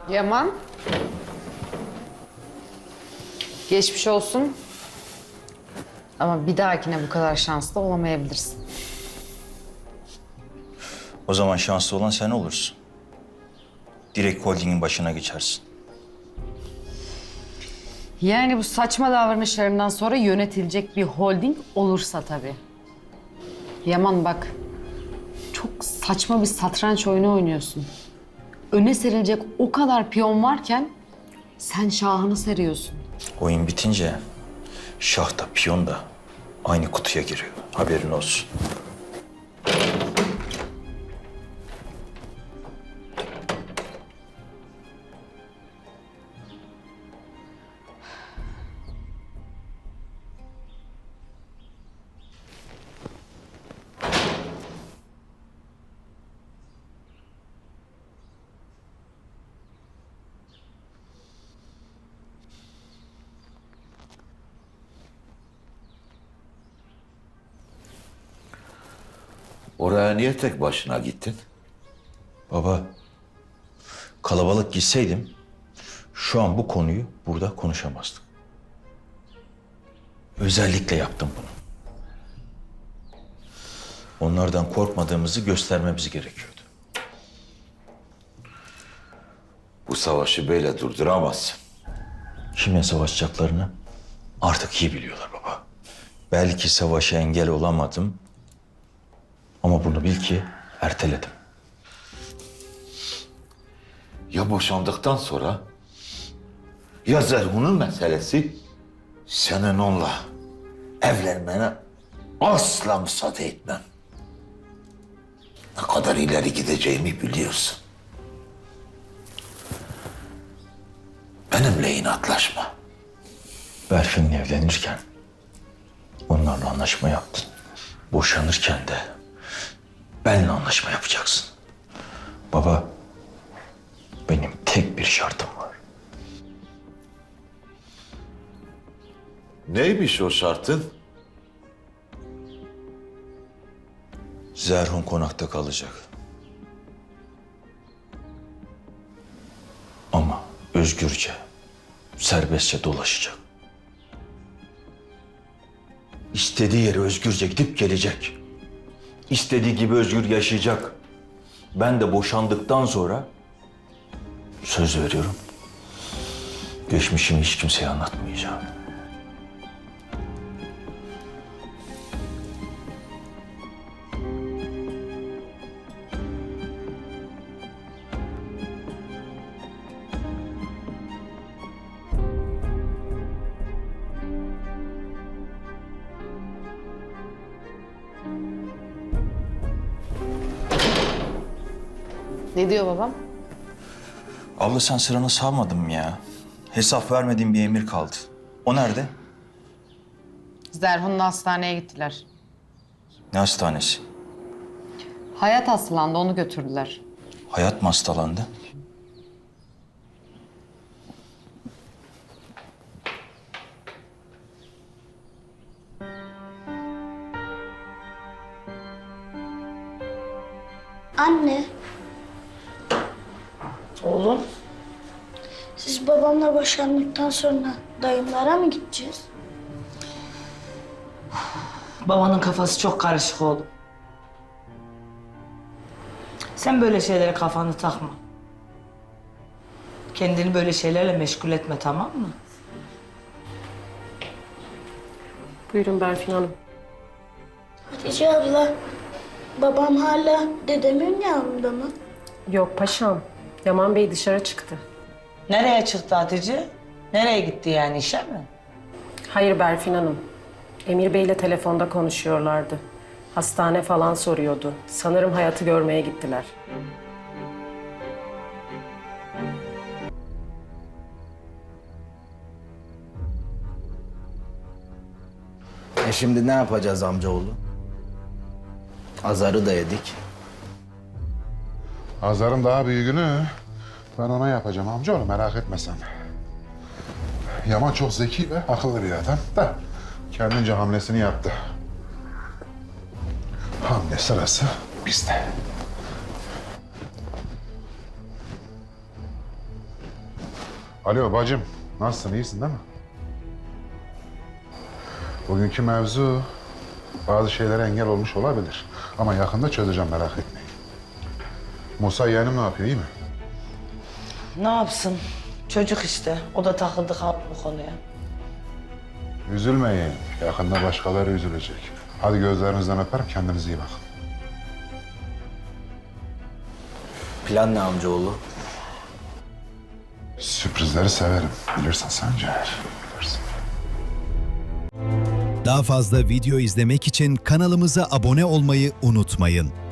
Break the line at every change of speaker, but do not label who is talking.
Yaman. Geçmiş olsun. Ama bir dahakine bu kadar şanslı olamayabilirsin.
O zaman şanslı olan sen olursun. Direkt holdingin başına geçersin.
Yani bu saçma davranışlarımdan sonra yönetilecek bir holding olursa tabii. Yaman bak, çok saçma bir satranç oyunu oynuyorsun. Öne serilecek o kadar piyon varken sen şahını seriyorsun.
Oyun bitince şah da piyon da aynı kutuya giriyor. Haberin olsun.
Oraya niye tek başına gittin?
Baba, kalabalık gitseydim şu an bu konuyu burada konuşamazdık. Özellikle yaptım bunu. Onlardan korkmadığımızı göstermemiz gerekiyordu.
Bu savaşı böyle durduramazsın.
Kimle savaşacaklarını artık iyi biliyorlar baba. Belki savaşa engel olamadım ama bunu bil ki erteledim.
Ya boşandıktan sonra ya Zerhun'un meselesi senin onunla evlenmene asla müsaade etmem. Ne kadar ileri gideceğimi biliyorsun. Benimle inatlaşma.
Berfin'le evlenirken onlarla anlaşma yaptın. Boşanırken de benimle anlaşma yapacaksın. Baba, benim tek bir şartım var.
Neymiş o şartın?
Zerhun konakta kalacak. Ama özgürce, serbestçe dolaşacak. İstediği yere özgürce gidip gelecek. İstediği gibi özgür yaşayacak. Ben de boşandıktan sonra söz veriyorum. Geçmişimi hiç kimseye anlatmayacağım.
Ne diyor babam?
Abla sen sıranı savmadın mı ya? Hesap vermediğin bir emir kaldı. O nerede?
Zerhun'la hastaneye gittiler.
Ne hastanesi?
Hayat hastalandı, onu götürdüler.
Hayat mı hastalandı?
Anne,
Oğlum,
siz babamla boşandıktan sonra dayımlara mı gideceğiz?
babanın kafası çok karışık oğlum. Sen böyle şeylere kafanı takma. Kendini böyle şeylerle meşgul etme, tamam mı?
Buyurun Berfin Hanım.
Hatice abla, babam hala dedemin yanında mı?
Yok paşam. Yaman Bey dışarı çıktı.
Nereye çıktı Hatice? Nereye gitti yani, işe mi?
Hayır Berfin Hanım. Emir Bey'le telefonda konuşuyorlardı. Hastane falan soruyordu. Sanırım Hayat'ı görmeye gittiler.
Şimdi ne yapacağız amcaoğlu? Azarı da yedik.
Azar'ın daha büyüğünü ben ona yapacağım amcaoğlu, merak etme sen. Yaman çok zeki ve akıllı bir adam da kendince hamlesini yaptı. Hamle sırası bizde. Alo bacım, nasılsın, iyisin değil mi? Bugünkü mevzu bazı şeylere engel olmuş olabilir. Ama yakında çözeceğim, merak etmeyin. Musa yeğenim ne yapıyor, iyi mi?
Ne yapsın? Çocuk işte. O da takıldı kaldı bu konuya.
Üzülmeyin, yakında başkaları üzülecek. Hadi gözlerinizden öperim, kendinize iyi bakın.
Plan ne amcaoğlu?
Sürprizleri severim, bilirsin Sencer, bilirsin.
Daha fazla video izlemek için kanalımıza abone olmayı unutmayın.